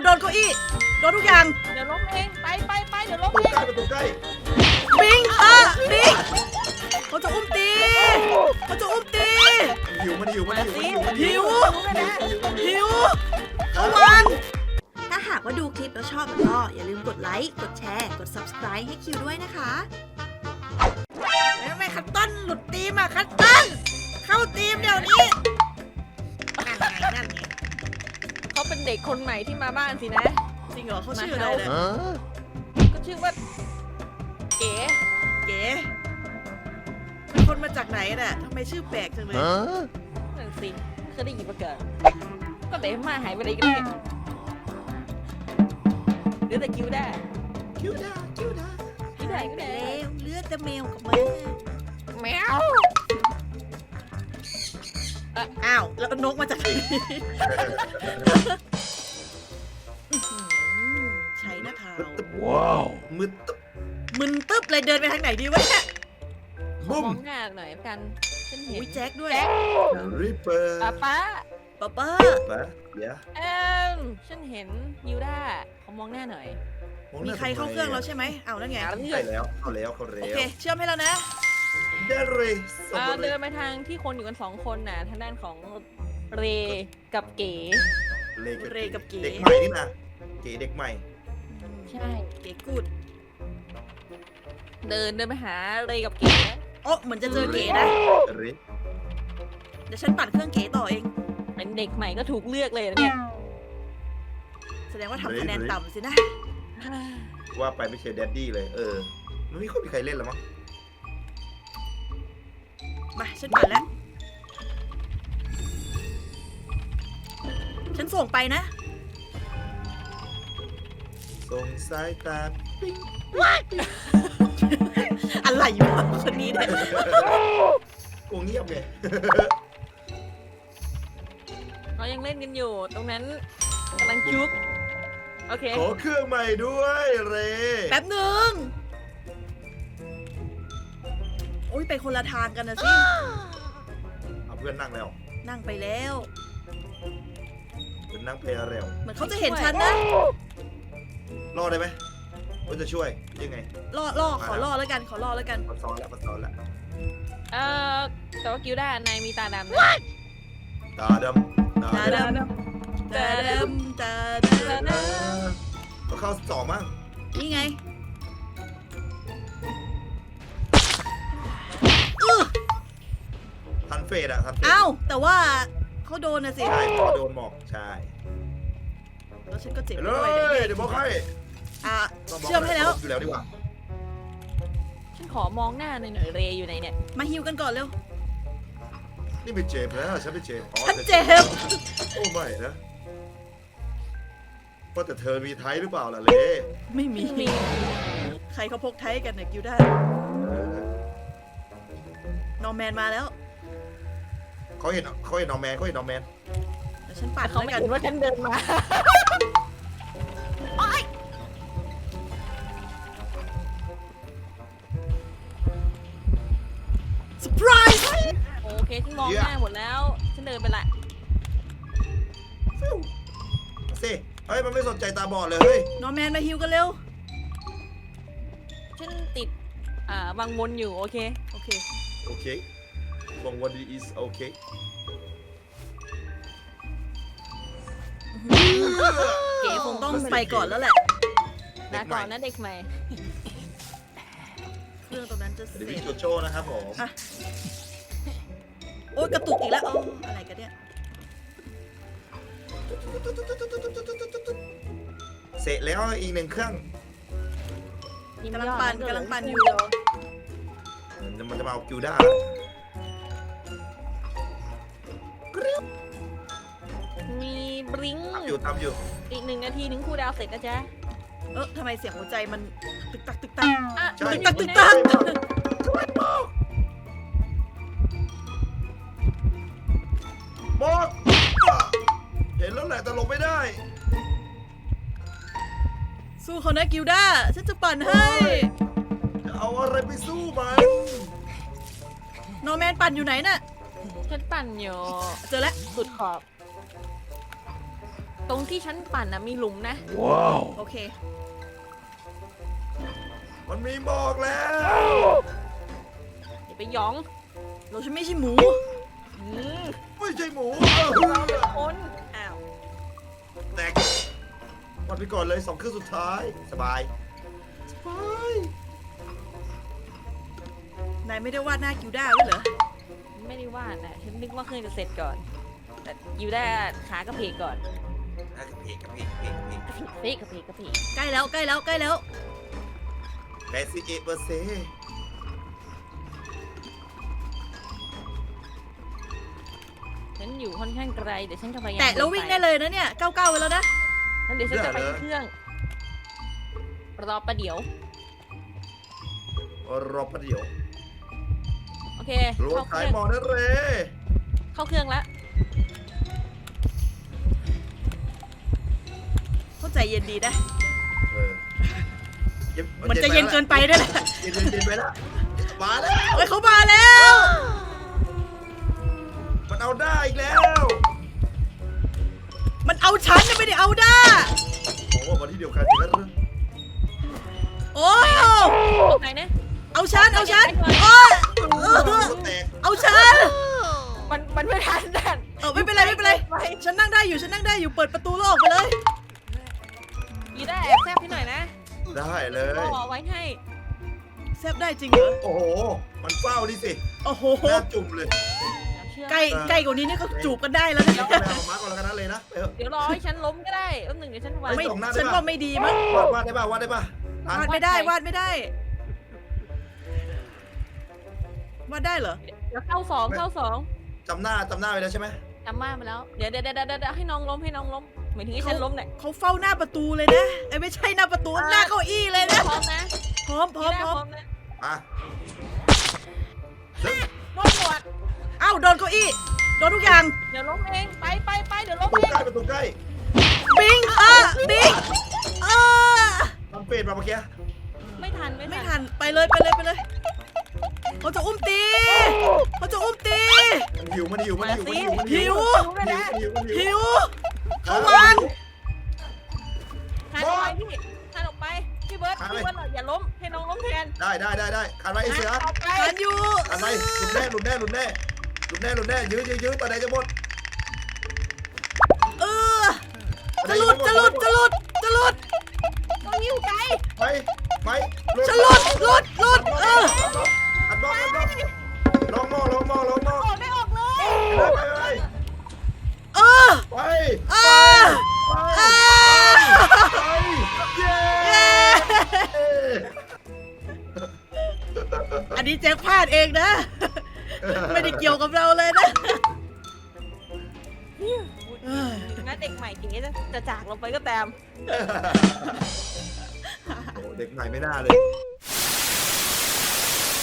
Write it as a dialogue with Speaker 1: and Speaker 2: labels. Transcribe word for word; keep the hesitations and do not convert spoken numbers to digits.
Speaker 1: โดนเก้าอี้โดนทุกอย่าง
Speaker 2: เดี๋ยวล้มเองไปไปไปเดี๋ยวล้ม
Speaker 3: ตัว
Speaker 2: เอง
Speaker 3: ใกล้ตัวใกล้
Speaker 1: บิงอ่ะบิงเขาจะอุ้มตีเขาจะอุ้มตี
Speaker 3: หิวมันหิวมันหิวมันหิวมัน
Speaker 1: หิว หิวเอาวางถ้าหากว่าดูคลิปแล้วชอบก็อย่าลืมกดไลค์ กดแชร์ กด ซับสไครบ์ ให้คิวด้วยนะคะแม่คัตตันหลุดทีมอ่ะคัตตันเข้าทีมเดี๋ยวนี้นั่นไงนั่นไง
Speaker 2: เขาเป็นเด็กคนใหม่ที่มาบ้านสินะ
Speaker 1: จริงเหรอเขาชื่ออะไรเนี่ย
Speaker 2: ก็ชื่อว่าเก๋
Speaker 1: เก๋เป็นคนมาจากไหนน่ะทำไมชื่อแปลกจังเลย
Speaker 2: นั่นสิเคยได้ยินมาเกิดก็เด็กมาหายไปไหนกันเนี่ยเหลือแต่คิวได้
Speaker 3: คิวดาคิวดา
Speaker 2: คิวได้คิว
Speaker 1: ไป
Speaker 2: ได้
Speaker 1: แล้วเลือดแต่แมวกับหมา
Speaker 2: แมว
Speaker 1: อ้าวแล้วนกมาจากไหนใช้หน้าเท้า
Speaker 3: ว้าวมืดตึ๊บ
Speaker 1: มึนตึ๊บเลยเดินไปทางไหนดีวะเนี่ย
Speaker 2: ม
Speaker 3: บุ้ม
Speaker 2: องหน้าหน่อยกันฉันเห็น
Speaker 1: อุ้ยแจ็คด้วย
Speaker 3: ริปเปอร์
Speaker 2: ป้าป้า
Speaker 1: ป๊าป้า
Speaker 3: ปะเดี๋ยว
Speaker 2: เอ็มฉันเห็นยิวด้าเขามองหน้าหน่อย
Speaker 1: มีใครเข้าเครื่องแล้วใช่ไหมเอาแล้วไง
Speaker 2: หาเพื่อ
Speaker 3: ใช่
Speaker 2: น
Speaker 3: แล้วเข้าแล้วเข้าแล้
Speaker 1: โอ
Speaker 3: ว
Speaker 1: เคเชื่อมให้แล้วนะ
Speaker 3: ได้เลยส
Speaker 2: อ่า
Speaker 3: วัสดี
Speaker 2: เดินไปทางที่คนอยู่กันสองคนน่ะทางด้านของเรกับเก๋
Speaker 3: เรกับเก๋เด็กใหม่นี่นะเก๋เด็กใหม่
Speaker 2: ใช่
Speaker 1: เก๋กูด
Speaker 2: เดินเดินไปหาเรกับเก๋
Speaker 1: โอ้เหมือนจะเจอเก๋นะ
Speaker 3: เร
Speaker 1: เดี๋ยวฉันปัดเครื่องเก๋ต่อเอง
Speaker 2: เป็นเด็กใหม่ก็ถูกเลือกเลยนะเนี่ย
Speaker 1: แสดงว่าทำคะแนนต่ำสินะ
Speaker 3: ว่าไปไม่ใช่แดดดี้เลย เออมันไม่ค่อยมีใครเล่นแล้วมั้ง
Speaker 1: มาฉันปัดแล้ว ฉันส่งไปนะ
Speaker 3: ส่งสายตาปิ๊ง
Speaker 1: อะไรวะคนนี้เนี่ย
Speaker 3: โอ้เงียบไง
Speaker 2: เรายังเล่นกันอยู่ ตรงนั้นกำลังจุ๊บโอเค
Speaker 3: ขอเครื่องใหม่ด้วยเร
Speaker 1: แป๊บหนึ่งโอ้ยไปคนละทางกันนะสิ
Speaker 3: เอาเพื่อนนั่งแล้ว
Speaker 1: นั่งไปแล้ว
Speaker 3: เพื่อนนั่งเพลเร็ว
Speaker 1: เหมือนเขาจะเห็นฉันนะ
Speaker 3: รอดได้ไหมว่าจะช่วยยังไง
Speaker 1: ล่อล่อขอล่อแล้วกัน ขอล่อแล้วกัน
Speaker 3: มาซ้อนแล้วมาซ้อนแล้ว
Speaker 2: เอ่อแต่ว่ากิวด้านายมีตาดำนะ
Speaker 3: ตาดำ
Speaker 1: ตาดำตาดำตาด
Speaker 2: ตาด
Speaker 3: ก็เข้าสองมั้ง
Speaker 1: ำนี่ไงอื้อ
Speaker 3: ทันเฟดอะทันเฟด
Speaker 1: เอ้าแต่ว่าเขาโดนนะสิ
Speaker 3: ใช่เพราะโดนหมอกใช่
Speaker 1: แล้วฉันก็เจ็บ
Speaker 3: ไป
Speaker 1: ไป
Speaker 3: เล
Speaker 1: ด้วย
Speaker 3: ยเดี๋ยวบอกให้
Speaker 1: อ่ะ
Speaker 3: ต้องบก
Speaker 1: เชื่อมให้แล้ว
Speaker 3: อยู่แล้วดีกว่า
Speaker 2: ำฉันขอมองหน้าหน่อยหน่อยเรอยู่ไหนเนี่ย
Speaker 1: มาฮิวกันก่อนเร็ว
Speaker 3: นี่เป็นเจมส์แล้วฉันเป็นเจมส์อ๋อ
Speaker 1: ฉันเจ็บ
Speaker 3: โอ้ไม่นะว่าแต่เธอมีไทยหรือเปล่าล่ะเล่
Speaker 1: ไม่มี
Speaker 2: มี
Speaker 1: ใครเขาพกไทยกันเนี่ยกิวได้นอร์แมนมาแล้ว
Speaker 3: เขาเห็นเขาเห็นน้องแมนเขาเห็นน้องแมน
Speaker 1: เดี๋ยวฉันปัด
Speaker 2: เขา
Speaker 1: แล้ว
Speaker 2: ไม่
Speaker 1: กัน
Speaker 2: เห็นว่าฉันเดินมา
Speaker 1: เซอร์ไพรส์
Speaker 2: โอเคฉันมองหน้าหมดแล้วฉันเดินไปละ
Speaker 3: ฟิวมาสิเฮ้ยมันไม่สนใจตาบอดเลยเฮ้ย
Speaker 1: นอร์แมนมาฮิวกันเร็ว
Speaker 2: ฉันติดอ่าวังวนอยู่โอเค
Speaker 1: โอเค
Speaker 3: โอเคบองวันดี is โอเค
Speaker 2: เก๋คง
Speaker 1: ต้
Speaker 2: ต้
Speaker 1: อ
Speaker 2: อง ง
Speaker 1: ไปก่อนแล้วแหละ
Speaker 2: ลาก่อนนะเด็กใหม่
Speaker 1: เครื่องตรงนั้นจะเส
Speaker 3: เดี๋ยว
Speaker 1: ร็
Speaker 3: พี่
Speaker 1: จ
Speaker 3: โจโจ้นะครับผม
Speaker 1: อ่ะ โอ๊ยกระตุกอีกแล้วโอ้อะไรกันเนี่ย
Speaker 3: เสร็จแล้วอีกหนึ่งเครื่อง
Speaker 1: กำลังปั่นกำลังปั่นอยู่
Speaker 3: มันจะมันจะมาเอากิวด้า
Speaker 2: มีบลิงก์
Speaker 3: ทำอยู่ทำอยู่
Speaker 2: อีกหนึ่งนาทีถึงครูดาวเสร็จนะจ๊ะ
Speaker 1: เออทำไมเสียงหัวใจมันตึกตักตึกตัก
Speaker 2: อ่ะ
Speaker 3: ใช่
Speaker 1: ตึกตักตึกตัก
Speaker 3: หมดเห็นแล้วแหละแต่หลบไม่ได้
Speaker 1: สู้เขานะกิวด้า ฉันจะปั่นให้
Speaker 3: จะเอาอะไรไปสู้มัน
Speaker 1: นอร์แมนปั่นอยู่ไหนน่ะ
Speaker 2: ฉันปั่นอยู่
Speaker 1: เจอแล้ว
Speaker 2: สุดขอบตรงที่ฉันปั่นนะมีหลุมนะ
Speaker 1: โอเค
Speaker 3: มันมีหมอกแล้ว
Speaker 2: อย่าไปหยอง
Speaker 1: เราฉันไม่ใช่หมู
Speaker 2: อืม
Speaker 3: ไม่ใช่หมู
Speaker 2: เราเป็นคนอ้าว
Speaker 3: แตกวันไปก่อนเลยสองเครื่องสุดท้ายสบายสบาย
Speaker 1: นายไม่ได้วาดหน้ากิวด้าไว้เหรอ
Speaker 2: ไม่ได้ว่านะฉันนึกว่าเครื่องจะเสร็จก่อน แต่อยู่ได้ขากระเพกก่อน
Speaker 3: กระเพกกระเพกกระเพกกระเพก
Speaker 2: กระเพกกระเพกกระเพก
Speaker 1: ใกล้แล้วใกล้แล้วใกล้แล้ว
Speaker 3: แปดสิบเอ็ดเปอร์เซ็นต์
Speaker 2: ฉันอยู่ค่อนข้างไกลเดี๋ยวฉันจะพยายาม
Speaker 1: แตะแล้ววิ่งได้เลยนะเนี่ยเก้าเก้าไปแล้วนะ
Speaker 2: แล้วเดี๋ยวฉันจะไปที่เครื่องรอประเดี๋ยว
Speaker 3: รอประเดี๋ยว
Speaker 2: โอเค
Speaker 3: รถ
Speaker 2: เข้าเค
Speaker 3: ขาย
Speaker 2: รื่อง
Speaker 3: หมอนั่นเลย
Speaker 2: เข้าเครื่องแล้ว
Speaker 1: เข้าใจเย็นดีนะ
Speaker 3: เออเย็น
Speaker 1: มันจะเย็นเกินไปด้วยแหละ
Speaker 3: เย็นเย็นเย็นไปแล้วมาแล้ว
Speaker 1: เฮ้ยเขามาแล้ว
Speaker 3: มันเอาได้อีกแล้ว
Speaker 1: มันเอาฉันนะไม่ได้เอาด้า
Speaker 3: โอ้โหวันที่เดียวกันอีกแล้ว
Speaker 1: โอ้ย
Speaker 2: ตรงไหนนะ
Speaker 1: เอาฉันเอาฉันโอ้ยเออ
Speaker 3: แตก
Speaker 1: เอาฉัน
Speaker 2: มันมันไม่ทันดัน
Speaker 1: เออไม่เป็นไรไม่เป็นไร ฉันนั่งได้อยู่ฉันนั่งได้อยู่เปิดประตูโลกไปเลย
Speaker 2: ยีได้แอบแซบพี่หน่อยนะ
Speaker 3: ได้เลย
Speaker 1: Oh.
Speaker 2: รอไว้ให้
Speaker 1: แซบได้จริงเหรอ
Speaker 3: โอ้โหมันเฝ้าดิสิ
Speaker 1: โอ้โห
Speaker 3: หน้าจุ่มเลย
Speaker 2: เชื่อ
Speaker 1: ใกล้ใกล้กว่านี้นี่ก็จูบกันได้แล้วนะ
Speaker 3: เดี๋ยวไปเอามาร์กก่อนแล้วกันนะเลยนะเออ
Speaker 2: เดี๋ยวรอให้ฉันล้มก็ได้แป๊บหนึ่งเดี๋ยวฉันวาง
Speaker 1: ไม่
Speaker 3: ส่งหน้าได้ปะ
Speaker 1: ฉันว่าไม่ดีมั้ง
Speaker 3: วาดวาดได้ป่ะวาดได้ป่ะทัน
Speaker 1: วาดไม่ได้วาดไม่ได้วาดได้เหรอ
Speaker 2: เดี๋ยวเข้าสองเข้าสอง
Speaker 3: จำหน้าจำหน้าไปแล้วใช่ไหม
Speaker 2: จำมาไปแล้ว เดี๋ยวเดี๋ยวเดี๋ยวเดี๋ยวให้น้องล้มให้น้องล้มหมายถึงให้ฉันล้มเนี่ย
Speaker 1: เขาเฝ้าหน้าประตูเลยนะไอ้ยไม่ใช่หน้าประตูหน้าเก้าอี้เลยนะ
Speaker 2: พร้อมนะ
Speaker 1: พร้อมพร้อมพร้อม
Speaker 2: นะ
Speaker 3: อ่ะ
Speaker 2: โดนหมวด
Speaker 1: อ้าวโดนเก้าอี้โดนทุกอย่าง
Speaker 2: เดี๋ยวล้มเองไปไปไปเดี๋ยวล้ม
Speaker 3: ประตู
Speaker 2: เอง
Speaker 3: ใกล้ประตูใกล้
Speaker 1: บิงเออบิงเออ
Speaker 3: ทำเฟดมาเมื่อกี้
Speaker 2: ไม่ทันไม่
Speaker 1: ไม่
Speaker 2: ทั
Speaker 1: ทั
Speaker 2: น
Speaker 1: นไปเลยไปเลยไปเลยเขาจะอุ้มตีเขาจะอุ้มตี
Speaker 3: มันหิวมันหิวมันหิวมันหิวมัน
Speaker 1: หิว
Speaker 3: มันหิวมันหิว
Speaker 1: หิวเขาวาง
Speaker 2: ทันออกไปพี่ทันออกไปพี่เบิร์ดพี่เบิร์ดอย่าล้มให้น้องล้มแทน
Speaker 3: ได้ได้ได้ได้ขันไว้ไอ้เสือ
Speaker 2: ออกไป
Speaker 1: ทันอยู่
Speaker 3: ขันไว้หลุดแน่หลุดแน่หลุดแน่หลุดแน่หลุดแน่ยื้อยื้อยื้อตอนไหนจะหมด
Speaker 1: เออจะหลุดจะหลุดจะหลุดจะหลุด
Speaker 2: ต้องยิ้วไกล
Speaker 3: ไปไป
Speaker 1: จะหลุดหลุดหลุดเออ
Speaker 3: อัดบล็อกอัดบล็อกลองมองลองมองลองมอง
Speaker 2: ออกไม่ออกเลย
Speaker 3: ไปไป
Speaker 1: เออ
Speaker 3: ไป
Speaker 1: เออ
Speaker 3: ไป
Speaker 1: เออ
Speaker 3: ไปเย้
Speaker 1: เย้อันนี้แจ็คพลาดเองนะ ไม่ได้เกี่ยวกับเราเลยนะเออ
Speaker 2: นะเด็กใหม่เก๋จะจะจากเราไปก็ตาม
Speaker 3: โอ้เด็กใหม่ไม่น่าเลย